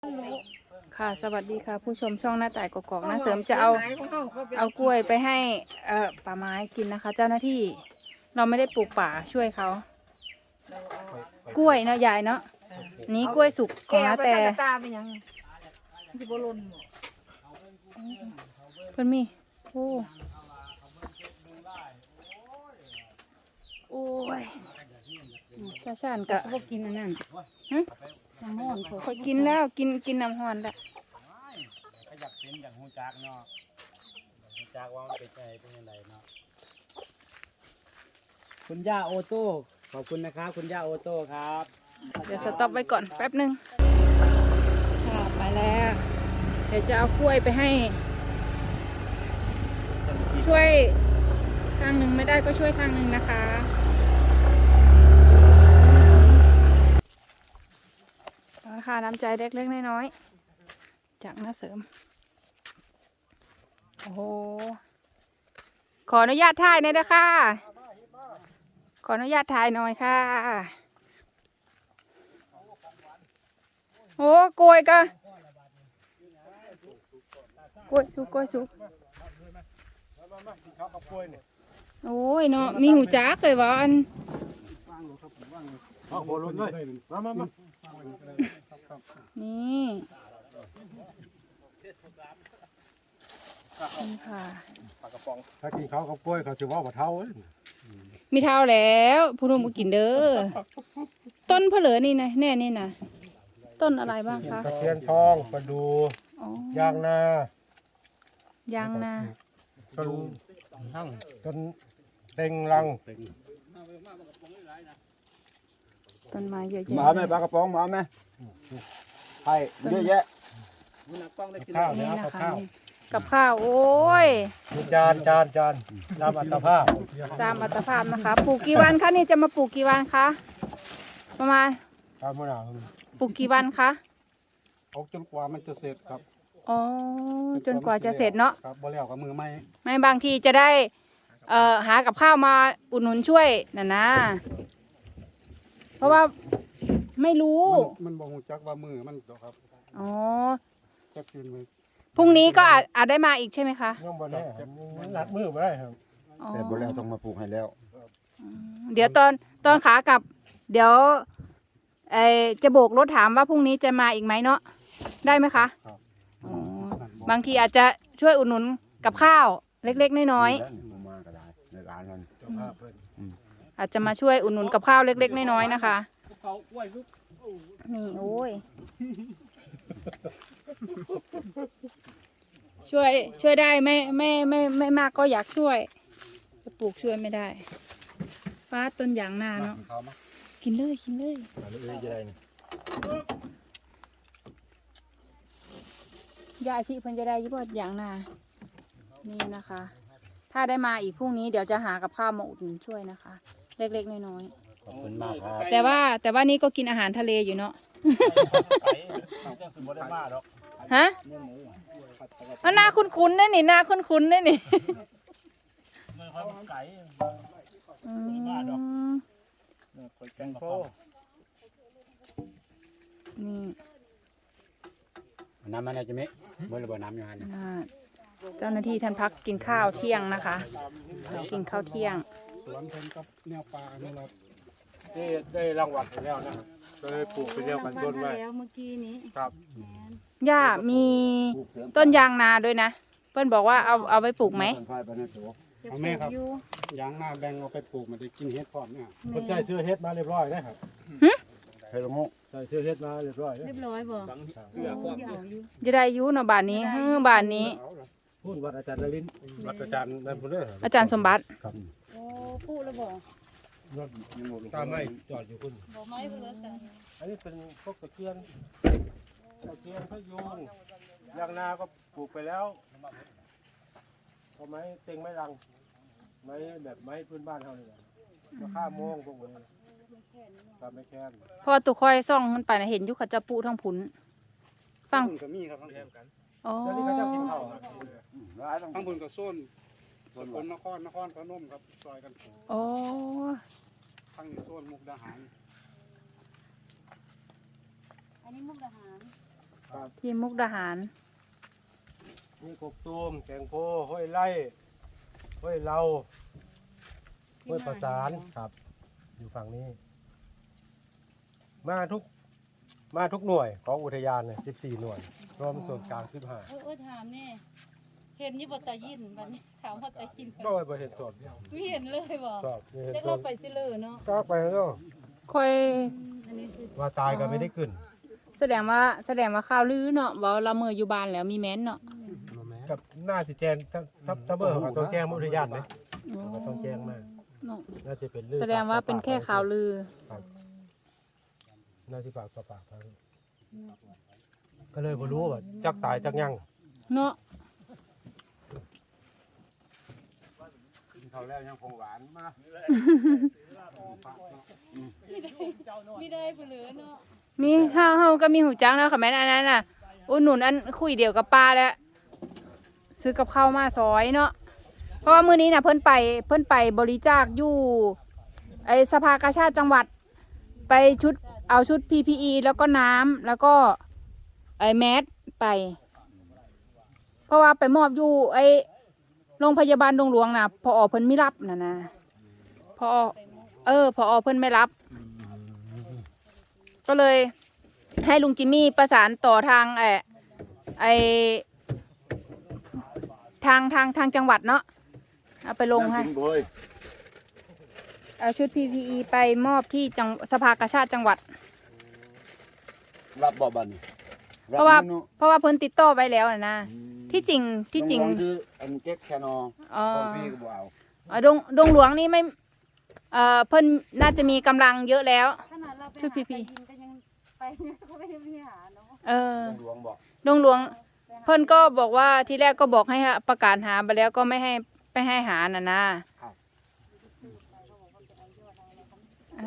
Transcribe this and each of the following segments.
ค่ะสวัสดีค่ะผู้ชมช่องหน้าต่ายกอกๆนะเสริมจะเอากล้วยไปให้ป่าไม้กินนะคะ เจ้าหน้าที่เราไม่ได้ปลูกป่าช่วยเขากล้วยเนาะยายเนาะนี้กล้วยสุกของน้าแต่เพิ่นมีโอ้ยชาชานกะพวกกินอันนั้นน้ำห้อนเขากินแล้วกินน้ำห้อนแล้วก็อยากเป็นอย่างฮูจักเนาะฮูจักว่ามันเป็นไงเป็นยังไงเนาะคุณย่าโอโต้ขอบคุณนะครับคุณย่าโอโต้ครับเดี๋ยวสต็อปไว้ก่อนแป๊บนึงค่ะไปแล้วเดี๋ยวจะเอากล้วยไปให้ช่วยทางหนึ่งไม่ได้ก็ช่วยทางหนึ่งนะคะค่ะน้ำใจเล็กๆน้อยๆจากน้าเสริมโอ้โหขออนุญาตถ่ายหน่อยนะคะขออนุญาตถ่ายหน่อยค่ะโอ้กล้วยก็กล้วยสุกโอ้ยเนาะมีหูจักเคยว่าอันนี่ค่ะถ้ากินข้าวกับกล้วยเขาจะว่าบ่เท่ามีเท่าแล้วผู้นุ่มกินเด้อต้นเพลือนี่นะแน่นี่นะต้นอะไรบ้างคะตะเคียนทองประดูยางนายางนาต้นเต็งรังต้นไม้เยอะแยะมาไหมปลากระป๋องมาไหมไข่เยอะแยะข้าวนี่นะนะคะข้าวกับข้าวโอ้ยจานตามอัตภาพตามอัตภาพนะคะปลูกกี่วันคะนี่จะมาปลูกกี่วันคะประมาณตามมะนาวปลูกกี่วันคะเอาจนกว่ามันจะเสร็จครับอ๋อจนกว่าจะเสร็จเนาะครับบ่แล้วกับมือไม้ไม่บางทีจะได้หากับข้าวมาอุดหนุนช่วยนะเพราะว่าไม่รู้มันบ่ฮู้จักว่ามือมันดอกครับอ๋อจักคืนมือพรุ่งนี้ก็อาจได้มาอีกใช่ไหมคะยังบ่แน่นัดมือบ่ได้ครับอ๋อแต่บ่แล้วต้องมาปลูกให้แล้วเดี๋ยวตอนขากลับ เดี๋ยวจะโบกรถถามว่าพรุ่งนี้จะมาอีกไหมเนาะได้ไหมคะอ๋อบางทีอาจจะช่วยอุดหนุนกับข้าวเล็กๆน้อยๆมาก็ได้ในร้านนั้นอาจจะมาช่วยอุดหนุนกับข้าวเล็กๆน้อยๆนะคะนี่โอ้ยช่วยได้ไม่มากก็อยากช่วยจะปลูกช่วยไม่ได้ฟ้าต้นยางนาเนาะกินเลยยาอาชีพเพิ่นจะได้ยี่ปอดยางนานี่นะคะ ถ้าได้มาอีกพรุ่งนี้เดี๋ยวจะหากับข้าวมาอุดหนุนช่วยนะคะ เล็กๆน้อยๆขอบคุณมากครับแต่ว่านี่ก็กินอาหารทะเลอยู่เนาะ ฮะหน้าคุ้นๆนั่นนี่หน้าคุ้นๆนั่นนี่นี่น้ำมันจะไม่เมื่อระเบิดน้ำอยู่ฮะเจ้าหน้าที่ท่านพักกินข้าวเที่ยงนะคะกินข้าวเที่ยงสวนเพิ่นกับแนวป่านี่เราได้รางวัลไปแล้วนะครับก็เลยปลูกไปเดียวกันต้นไว้แล้วเมื่อกี้นี้ครับย่ามีต้นยางนาด้วยนะเพื่อนบอกว่าเอาไปปลูกไหมเอาแม่ครับยางนาแบ่งเอาไปปลูกมันได้กินเฮ็ดพร้อมเนี่ยคนใจซื้อเฮ็ดมาเรียบร้อยได้ครับเฮโลโมใช่ซื้อเฮ็ดมาเรียบร้อยเรียบร้อยบ่อยู่จะได้อยุเนาะบ้านนี้บ้านนี้พูดวัดอาจารย์นรินทร์วัดอาจารย์นั่นพุ่นเด้ออาจารย์สมบัติครับโอ้พูดแล้วบ่รถตามไม้จอดอยู่พุ่นบ่ไม้เพิ่นแล้วกันอันนี้เป็นพวกตะเคียนพะยูงยางนาก็ปลูกไปแล้วก็ไม้เต็งไม้รังไม้แบบไม้พื้นบ้านเฮานี่แหละมาฆ่าโมงพวกนี้ตามไม้แค้นเพราะว่าตุกคอยซ่องมันไปนะเห็นอยุคเขาจะปูทั้งผุนฟังก็มีครับทั้งกันอ๋อเดี๋ยวนี้เขาจะกินข้าวทั้งบุญกับส้นสกลนครพนมครับซอยกันอ๋อทั้งโซนมุกดาหารอันนี้มุกดาหารครับที่มุกดาหารนี่กกตูมแกงโพห้วยไร่ห้วยเราห้วยประสานครับ อยู่ฝั่งนี้ มาทุกหน่วยของอุทยานเลย14 หน่วย รวมส่วนกลาง15 ถามแน่เห็นยี่บตายินบัดนี้ถามว่าตายินก็ไปเห็นสดไม่เห็นเลยบ่ชอบเห็นจะสเราดไปสิเลยเนาะก็ไปแล้วค่อยอันนี้คือว่าตายก็ไม่ได้ขึ้นแสดงว่าข่าวลือเนาะว่าเราเมื่ออยู่บ้านแล้วมีแม้นเนาะกับหน้าสิแจงถ้าเบอร์เขาต้องแจ้งอุทยานไหมอ๋อเขาต้องแจ้งมากเนาะน่าจะเป็นเรื่องแสดงว่าเป็นแค่ข่าวลือครับน่าจะปากต่อปากครับก็เลยบ่รู้ว่าจักตายจักยังเนาะกินข้าวแล้วยังคงหวานมาไม่ได้ผู้เหลือเนาะมีเฮาก็มีหูจักนะค่ะแม่นอันนั้นน่ะอุดหนุนอันคุยเดียวกับป้าแล้วซื้อกับข้าวมาซอยเนาะเพราะว่ามื้อนี้น่ะเพิ่นไปบริจาคอยู่ไอสภากาชาติจังหวัดไปเอาชุด PPE แล้วก็น้ำแล้วก็ไอแมสไป เพราะว่าไปมอบอยู่ไอโรงพยาบาลดงหลวงน่ะพอเพิ่นไม่รับน่ะนะพอเพิ่นไม่รับ ก็เลยให้ลุงจิมมี่ประสานต่อทางทางจังหวัดเนาะเอาไปลงให้กินบ่อยเอาชุด PPE ไปมอบที่สภากาชาติจังหวัดรับบ่บัดนี้เพราะว่าเพิ่นติดต่อไปแล้วนะที่จริงน้องๆคืออันเก็บแค่นออ๋อของพี่ก็บ่เอาดงหลวงนี่ไม่เพิ่นน่าจะมีกำลังเยอะแล้วขนาดเราไปชุดหา PP ตายินก็ยังไปเนี่ยก็ไม่ได้มีหาเนาะหลวงบอกดงหลวงเพิ่นก็บอกว่าทีแรกก็บอกให้ประกาศหาไปแล้วก็ไม่ให้หาน่ะนะอ่า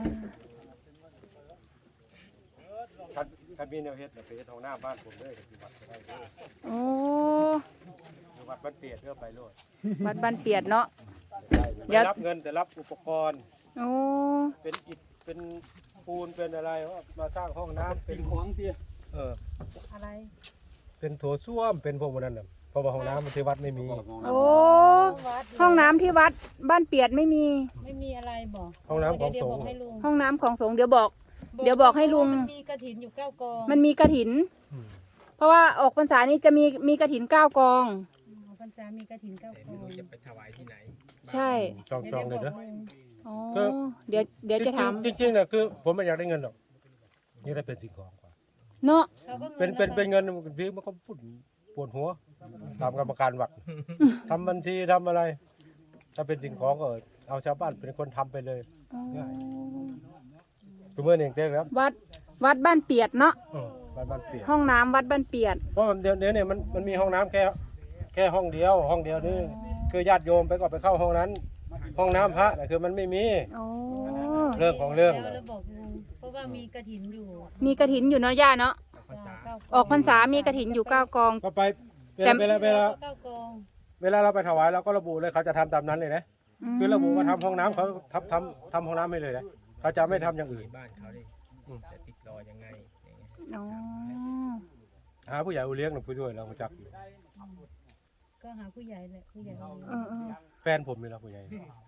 คันมีแนวเฮ็ดน่ะไปเฮ็ดห้องน้ำบ้านผมเลยที่วัดก็ได้เด้อโอ้ที่วัดบ้านเปียดเด้อไปโลดวัดบ้านเปียดเนาะ เดี๋ได้ยวรับเงินแต่รับอุปกรณ์โอ้เป็นอิฐเป็นปูนเป็นอะไรมาสร้างห้องน้ำเป็นของเตี้ยอะไรเป็นโถส้วมเป็นพวกนั้นน่ะเพราะว่าห้องน้ำมันที่วัดไม่มีโอ้ห้องน้ำที่วัดบ้านเปียดไม่มีไม่มีอะไรบอกห้องน้ำของเดี๋ยวสบงอกฆ์ให้ลุงห้องน้ำของสงฆ์เดี๋ยวบอกให้ลุงมันมีกระถินอยู่9 กองมันมีกระถิน เพราะว่าออกพรรษานี้จะมีกระถิน9 กองพรรษามีกระถิน9 กองจะไปถวายที่ไหนใช่จองเลยเด้ออ๋อเดี๋ยวจะถามจริงๆนะคือผมไม่อยากได้เงินหรอกนี่ได้เป็นสิ่งของกว่าเนาะเขาก็เป็นเงินพี่มันก็ฝุ่นปวดหัวตามกรรมการวัดทำบัญชีทำอะไร ถ้าเป็นสิ่งของก็เอาชาวบ้านเป็นคนทำไปเลยอ๋อตัวเมื่อเองเต้ครับวัดบ้านเปียดเนาะบ้านเปลี่ยนห้องน้ำวัดบ้านเปียดเพราะเดี๋ยวเนี่ยมันมีห้องน้ำแค่ห้องเดียวนี่คือญาติโยมไปก็ไปเข้าห้องนั้น ห้องน้ำพระน่ะคือมันไม่มีโอ้เรื่องของเรื่องแล้วบอกลุงเพราะว่ามีกระถินอยู่มีกระถินอยู่เนาะย่าเนาะ ออกพรรษามีกระถินอยู่9 กองก็ไปเวลา 9 กองเวลาเราไปถวายเราก็ระบุเลยเขาจะทำตามนั้นเลยนะคือระบุว่าทำห้องน้ำเขาทำห้องน้ำให้เลยนะเขาจะไม่ทำอย่างอื่นบ้านเขาดิจะติดรอยังไงอย่างเงี้ยอ๋อหาผู้ใหญ่อุเลี้ยงหรือผู้ช่วยเราจักอยู่ก็หาผู้ใหญ่แหละผู้ใหญ่แฟนผมนี่ละผู้ใหญ่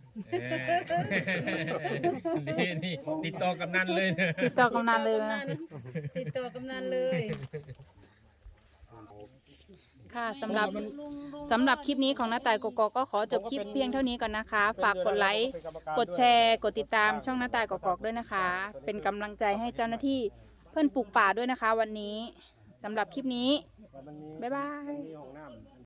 นี่ติดต่อกำนันเลยนะติดต่อกำนันเลยนะติดต่อกำนันเลยค่ะสำหรับคลิปนี้ของน้าต่ายกกอกก็ขอจบคลิปเพียงเท่านี้ก่อนนะคะ ฝากกดไลค์กดแชร์กดติดตามช่องน้าต่ายกกอกด้วยนะคะ เป็นกำลังใจให้เจ้าหน้าที่เพื่อนปลูกป่าด้วยนะคะ วันนี้สำหรับคลิปนี้บ๊ายบาย